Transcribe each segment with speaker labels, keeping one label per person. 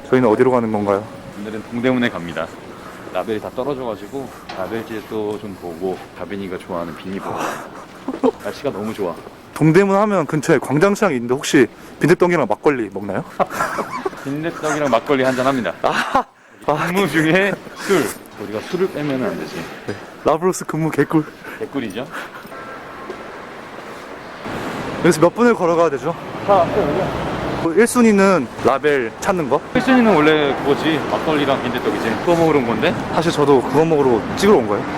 Speaker 1: 저희는 어디로 가는 건가요?
Speaker 2: 오늘은 동대문에 갑니다. 라벨이 다 떨어져가지고 라벨지도 좀 보고 가빈이가 좋아하는 비니 보고. 날씨가 너무 좋아.
Speaker 1: 동대문 하면 근처에 광장시장이 있는데 혹시 빈대떡이랑 막걸리 먹나요?
Speaker 2: 빈대떡이랑 막걸리 한잔 합니다. 근무 중에 술. 우리가 술을 빼면 안 되지.
Speaker 1: 네. 라브로스 근무 개꿀.
Speaker 2: 개꿀이죠.
Speaker 1: 여기서 몇 분을 걸어가야 되죠? 1순위는 라벨 찾는 거?
Speaker 2: 1순위는 원래 그거지. 막걸리랑 빈대떡이지. 그거 먹으러 온 건데?
Speaker 1: 사실 저도 그거 먹으러 찍으러 온 거예요.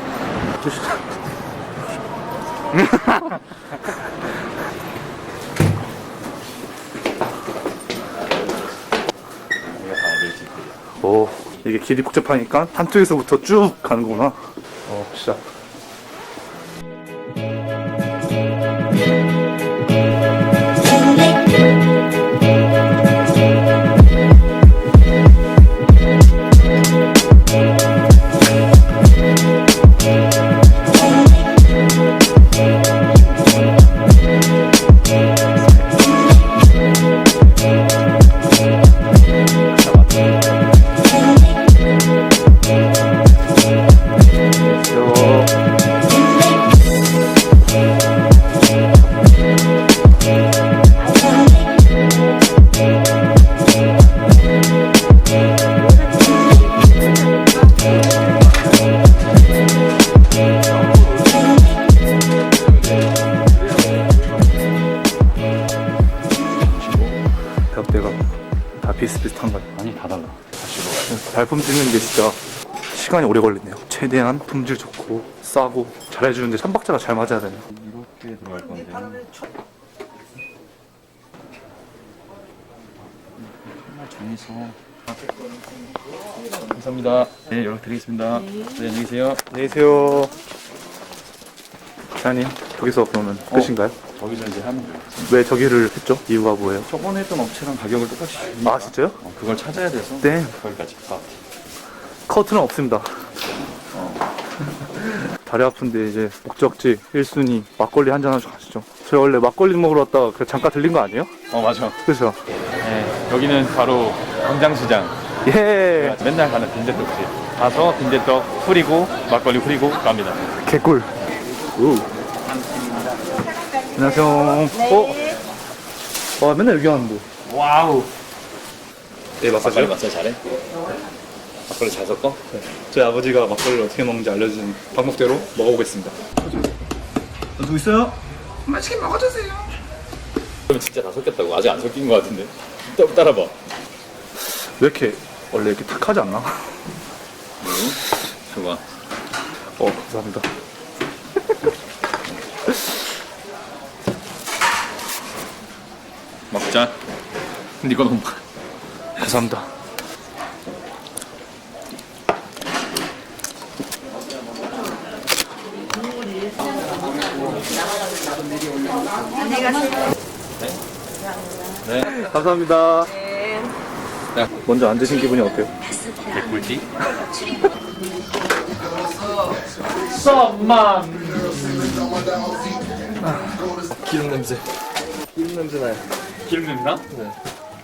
Speaker 1: 오, 이게 길이 복잡하니까 한쪽에서부터 쭉 가는 거구나. 시작. 대학대가 다 비슷비슷한 거예요.
Speaker 2: 아니, 다 달라.
Speaker 1: 발품 찍는 게 진짜 시간이 오래 걸리네요. 최대한 품질 좋고 싸고 잘해주는데 삼박자가 잘 맞아야 되네요.
Speaker 2: 이렇게 들어갈 건데. 정말 정해서. 감사합니다. 네, 연락드리겠습니다. 네, 안녕히 계세요.
Speaker 1: 안녕히 계세요. 사장님, 저기서 그러면 끝인가요?
Speaker 2: 저기서 이제 하면 돼요.
Speaker 1: 왜 저기를 했죠? 이유가 뭐예요?
Speaker 2: 저번에 했던 업체랑 가격을 똑같이 주니까.
Speaker 1: 아, 진짜요?
Speaker 2: 그걸 찾아야 돼서.
Speaker 1: 네.
Speaker 2: 거기까지.
Speaker 1: 커트는 없습니다. 다리 아픈데 이제 목적지 1순위 막걸리 한잔 하시고 가시죠. 저희 원래 막걸리 먹으러 왔다가 그냥 잠깐 들린 거 아니에요?
Speaker 2: 맞아.
Speaker 1: 그죠?
Speaker 2: 네, 여기는 바로 광장시장.
Speaker 1: 예.
Speaker 2: 맨날 가는 빈대떡집. 가서 빈대떡 후리고 막걸리 후리고 갑니다.
Speaker 1: 개꿀. 오. 안녕하세요.
Speaker 3: 네.
Speaker 1: 와, 맨날 여기 왔는데.
Speaker 2: 와우.
Speaker 1: 네,
Speaker 2: 막걸리 마사지 잘해? 막걸리 잘 섞어?
Speaker 1: 저희 아버지가 막걸리를 어떻게 먹는지 알려준 방법대로 먹어보겠습니다. 누구 있어요?
Speaker 3: 맛있게 먹어주세요.
Speaker 2: 그러면 진짜 다 섞였다고. 아직 안 섞인 것 같은데. 따라봐.
Speaker 1: 왜 이렇게 원래 이렇게 탁하지 않나?
Speaker 2: 좋아.
Speaker 1: 감사합니다.
Speaker 2: 먹자. 근데 이거 너무
Speaker 1: 감사합니다.
Speaker 2: 네.
Speaker 1: 감사합니다.
Speaker 2: 네.
Speaker 1: 먼저 안 드신 기분이 어때요?
Speaker 2: 개꿀티. 썸만.
Speaker 1: 기름 냄새. 기름 냄새 나요.
Speaker 2: 기름 냄새 나?
Speaker 1: 네.